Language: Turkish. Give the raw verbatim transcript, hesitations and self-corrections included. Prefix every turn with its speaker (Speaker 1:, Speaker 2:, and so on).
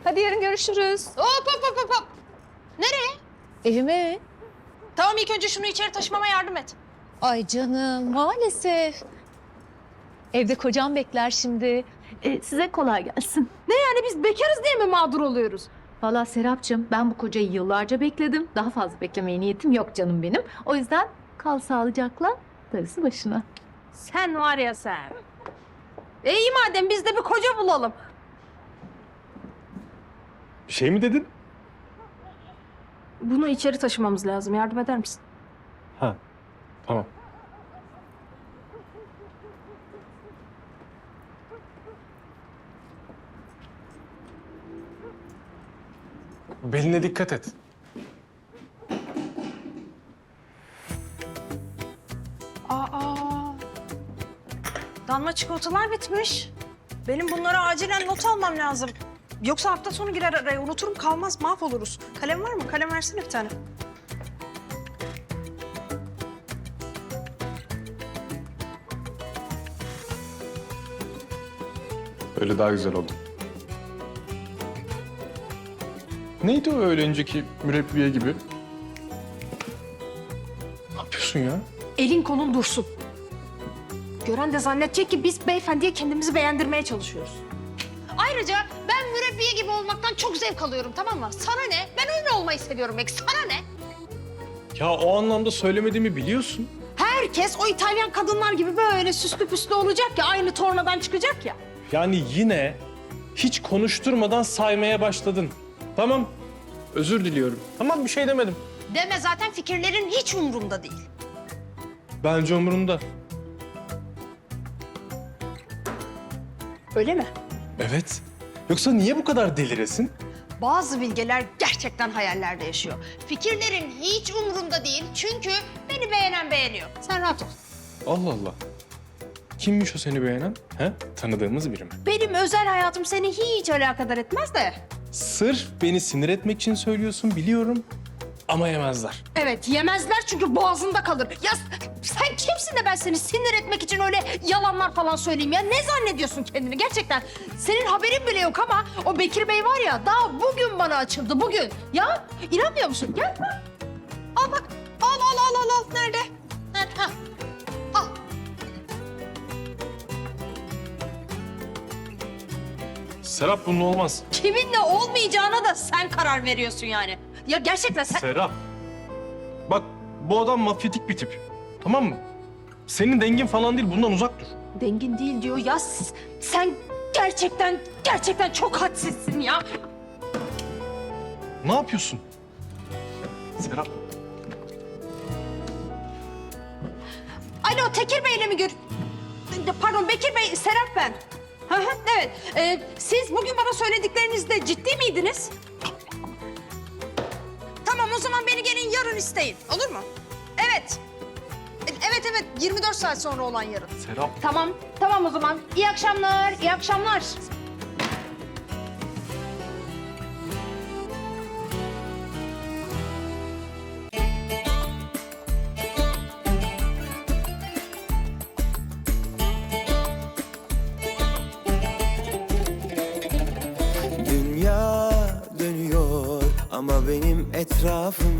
Speaker 1: Hadi yarın görüşürüz.
Speaker 2: Hop hop hop hop hop. Nereye?
Speaker 1: Evime.
Speaker 2: Tamam ilk önce şunu içeri taşımama yardım et.
Speaker 1: Ay canım maalesef. Evde kocam bekler şimdi. Ee, size kolay gelsin.
Speaker 2: Ne yani biz bekarız diye mi mağdur oluyoruz?
Speaker 1: Vallahi Serapcığım ben bu kocayı yıllarca bekledim. Daha fazla beklemeye niyetim yok canım benim. O yüzden kal sağlıcakla, darısı başına.
Speaker 2: Sen var ya sen. E iyi madem biz de bir koca bulalım.
Speaker 3: Bir şey mi dedin?
Speaker 2: Bunu içeri taşımamız lazım. Yardım eder misin?
Speaker 3: Ha, tamam. Beline dikkat et.
Speaker 2: Aa. Damla çikolatalar bitmiş. Benim bunlara acilen not almam lazım. Yoksa hafta sonu girer araya unuturum kalmaz mahvoluruz. Kalem var mı? Kalem versene bir tane.
Speaker 3: Öyle daha güzel oldu. Neydi o öyle önceki mürebbiye gibi? Ne yapıyorsun ya?
Speaker 2: Elin kolun dursun. Gören de zannedecek ki biz beyefendiye kendimizi beğendirmeye çalışıyoruz. Ayrıca ben mürebbiye gibi olmaktan çok zevk alıyorum, tamam mı? Sana ne? Ben öyle olmayı seviyorum belki. Sana ne?
Speaker 3: Ya o anlamda söylemediğimi biliyorsun.
Speaker 2: Herkes o İtalyan kadınlar gibi böyle süslü püslü olacak ya, aynı tornadan çıkacak ya.
Speaker 3: Yani yine hiç konuşturmadan saymaya başladın. Tamam, özür diliyorum. Tamam, bir şey demedim.
Speaker 2: Deme, zaten fikirlerin hiç umurumda değil.
Speaker 3: Bence umurunda.
Speaker 2: Öyle mi?
Speaker 3: Evet. Yoksa niye bu kadar deliresin?
Speaker 2: Bazı bilgeler gerçekten hayallerde yaşıyor. Fikirlerin hiç umurumda değil çünkü beni beğenen beğeniyor. Sen rahat ol.
Speaker 3: Allah Allah. Kimmiş o seni beğenen? He? Tanıdığımız biri mi?
Speaker 2: Benim özel hayatım seni hiç alakadar etmez de.
Speaker 3: Sırf beni sinir etmek için söylüyorsun biliyorum. Ama yemezler.
Speaker 2: Evet, yemezler çünkü boğazında kalır. Ya sen kimsin de ben seni sinir etmek için öyle yalanlar falan söyleyeyim ya? Ne zannediyorsun kendini gerçekten? Senin haberin bile yok ama o Bekir Bey var ya daha bugün bana açıldı, bugün. Ya inanmıyor musun? Gel. Al bak. Al al al al al. Nerede? Nerede? Ha. Al.
Speaker 3: Serap bunun olmaz.
Speaker 2: Kiminle olmayacağına da sen karar veriyorsun yani. Ya gerçekten sen...
Speaker 3: Serap. Bak bu adam mafyatik bir tip. Tamam mı? Senin dengin falan değil, bundan uzak dur.
Speaker 2: Dengin değil diyor ya. s- Sen gerçekten, gerçekten çok hadsizsin ya.
Speaker 3: Ne yapıyorsun? Serap.
Speaker 2: Alo, Tekir Bey'le mi gör... Pardon, Bekir Bey, Serap ben. Hı hı, evet. Ee, siz bugün bana söylediklerinizde ciddi miydiniz? Tamam, o zaman beni gelin yarın isteyin. Olur mu? Evet. E, Evet, evet. yirmi dört saat sonra olan yarın.
Speaker 3: Serap.
Speaker 2: Tamam, tamam o zaman. İyi akşamlar, iyi akşamlar.
Speaker 4: Dünya dönüyor ama benim etrafım